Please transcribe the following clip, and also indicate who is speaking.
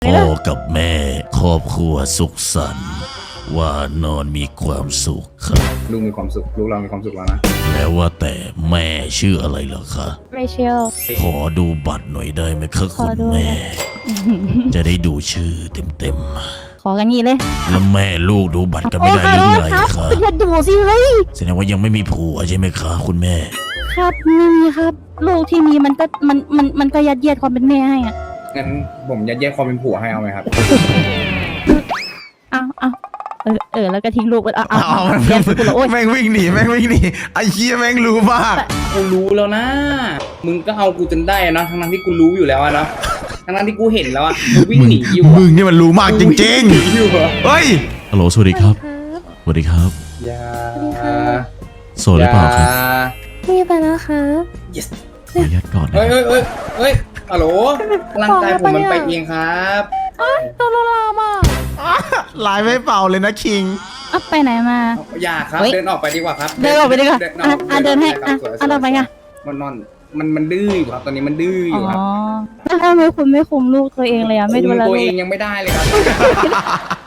Speaker 1: พ่อกับแม่ครอบครัวสุขสันต์ว่านอนมีความสุขครับ
Speaker 2: ลูกมีความสุขลูกเรามีความสุขแล้วนะ
Speaker 1: แล้วว่าแต่แม่ชื่ออะไรเหรอคะ
Speaker 3: ไม่เชล
Speaker 1: ขอดูบัตรหน่อยได้ไหมคะ
Speaker 3: ข
Speaker 1: คุ
Speaker 3: อ
Speaker 1: ณ
Speaker 3: ดู
Speaker 1: แม่ จะได้ดูชื่อเต็ม
Speaker 3: ขอกันงี้เลย
Speaker 1: ๆแล้วแม่ลูกดูบัตรกันไม่ได้หรือไง
Speaker 3: ครับ
Speaker 1: คะ
Speaker 3: อย่าดูสิเฮ้ย
Speaker 1: แสดงว่ายังไม่มีผัวใช่ไหมคะคุณแม่
Speaker 3: ครับไม่มีครับ ลูกที่มีมันก็ยัดเยียดความเป็นแม่ให้อ่ะ
Speaker 2: งั้นผมยัดเยียดความเป็นผัวให้เอาไหมครับ
Speaker 3: เอาแล้วก็ทิ้งลูกไปเอา
Speaker 4: เอา
Speaker 3: เรียนกูละโอ๊ย
Speaker 4: แม่งวิ่งหนีไอ้เหี้ยแม่งรู้มาก
Speaker 2: กูรู้แล้วนะ มึงก็เอากูจนได้อะเนาะทั้งๆที่กูรู้อยู่แล้วอะเนาะทั้งๆที่กูเห็นแล้วอะกูวิ่งหนีอยู่
Speaker 4: มึ
Speaker 2: อะ
Speaker 4: งนี่มันรู้มากจริง
Speaker 2: หนีอยู่อะ
Speaker 4: ๆเฮ้ย
Speaker 1: ฮัลโหลสวัสดีครับ สวัสดีครับ
Speaker 2: อย่า
Speaker 1: โสดหรือเปล่าครับ
Speaker 3: มีไปแล้วครับ
Speaker 2: yes
Speaker 1: ขออนุญาตก่อนนะ
Speaker 2: เฮ้ย
Speaker 1: ครับ
Speaker 2: เฮ้ยฮัลโหลร่างกายผมมันไปเองครับ
Speaker 3: ตัวลามา
Speaker 4: ลายไม่เป่าเลยนะคิง
Speaker 3: ไปไหนมา
Speaker 2: อย่าครับ
Speaker 3: เฮ้ย
Speaker 2: เดินออกไปดีกว่าครับ
Speaker 3: เดินออกไปดีกว่า
Speaker 2: เดิน
Speaker 3: เดินให้
Speaker 2: ครับสวย
Speaker 3: เราไปค่ะ
Speaker 2: มันดื้ออยู่ครับตอนนี้มันดื้ออ
Speaker 3: อ๋
Speaker 2: ยู่ครับ
Speaker 3: อแล้วทำไมคุณไม่คุมลูกตัวเองเลยอ่ะไม่ดู
Speaker 2: คุม
Speaker 3: แล
Speaker 2: ตัว
Speaker 3: ลู
Speaker 2: เอก งยังไม่ได้เลยครับ